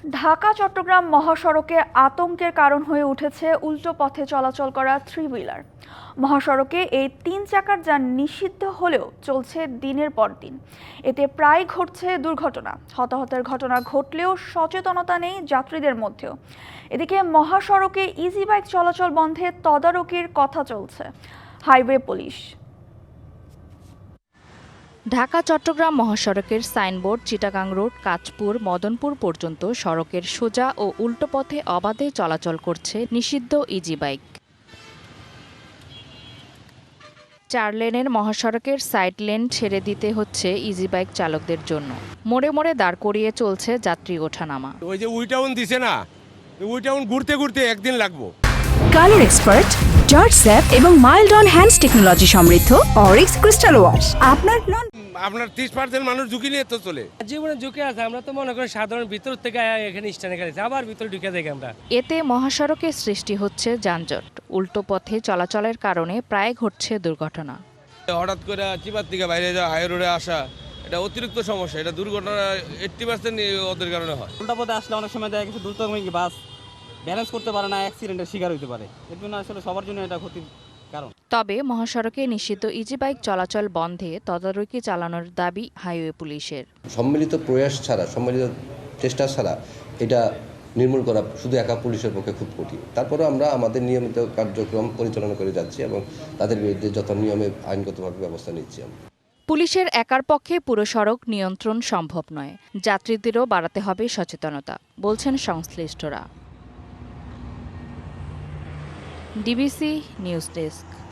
ঢাকা চট্টগ্রাম মহাসড়কে আতঙ্কের কারণ হয়ে উঠেছে উল্টো পথে চলাচল করা থ্রি হুইলার। মহাসড়কে এই 3 চাকার যান নিষিদ্ধ হলেও চলছে দিনের পর দিন। এতে প্রায় ঘটছে দুর্ঘটনা। হতাহতের ঘটনা ঘটলেও সচেতনতা নেই যাত্রীদের মধ্যেও। এদিকে মহাসড়কে ইজি বাইক চলাচল বন্ধে তদারকির কথা চলছে হাইওয়ে পুলিশ। ঢাকা চট্টগ্রাম মহাসড়কের সাইনবোর্ড চিটাগাং রোড কাঁচপুর মদনপুর পর্যন্ত সড়কের সোজা ও উল্টো পথে অবাধে চলাচল করছে নিষিদ্ধ ইজি বাইক। 4 লেনের মহাসড়কের সাইড লেন ছেড়ে দিতে হচ্ছে ইজি বাইক চালকদের জন্য। মোড়ে মোড়ে দাঁড় করিয়ে চলছে যাত্রী ওঠানামা। ওই যে উইটাউন দিছে না, উইটাউন ঘুরতে ঘুরতে একদিন লাগবো। কালার এক্সপার্ট, জর্জ স্যাপ এবং মাইল্ড অন হ্যান্ডস টেকনোলজি সমৃদ্ধ অরিক্স ক্রিস্টাল ওয়াশ আপনার 30% মানুষ ঝুঁকি নিয়ে তো চলে। জীবনে ঝুঁকি আছে, আমরা তো মনে করি সাধারণ ভিতর থেকে এখানে স্ট্যান্ডে গেছে আবার ভিতরে ঢুকে যাই আমরা। এতে মহাসড়কে সৃষ্টি হচ্ছে যানজট। উল্টো পথে চলাচলের কারণে প্রায় ঘটছে দুর্ঘটনা। হঠাৎ করে চিপার থেকে বাইরে যাওয়া, হাই রোডে আসা, এটা অতিরিক্ত সমস্যা। এটা দুর্ঘটনা 80% ওদের কারণে হয়। উল্টা পথে আসলে অনেক সময় দেখা গেছে দ্রুতগামী বাস ব্যালেন্স করতে পারে না, অ্যাক্সিডেন্টের শিকার হতে পারে। এর জন্য আসলে সবার জন্য এটা ক্ষতির কারণ। তবে মহাসড়কে নিষিদ্ধ ইজি বাইক চলাচল বন্ধে তদারকি চালানোর দাবি হাইওয়ে পুলিশের। সম্মিলিত প্রয়াস ছাড়া, সম্মিলিত চেষ্টা ছাড়া এটা নির্মূল করা শুধু একা পুলিশের পক্ষে খুব কঠিন। তারপরে আমরা আমাদের নিয়মিত কার্যক্রম পরিচালনা করে যাচ্ছি এবং তাদের বিরুদ্ধে যত নিয়মে আইনগতভাবে ব্যবস্থা নিচ্ছি আমরা। পুলিশের একার পক্ষে পুরো সড়ক নিয়ন্ত্রণ সম্ভব নয়। যাত্রীদেরও বাড়াতে হবে সচেতনতা, বলছেন সংশ্লিষ্টরা। DBC news desk.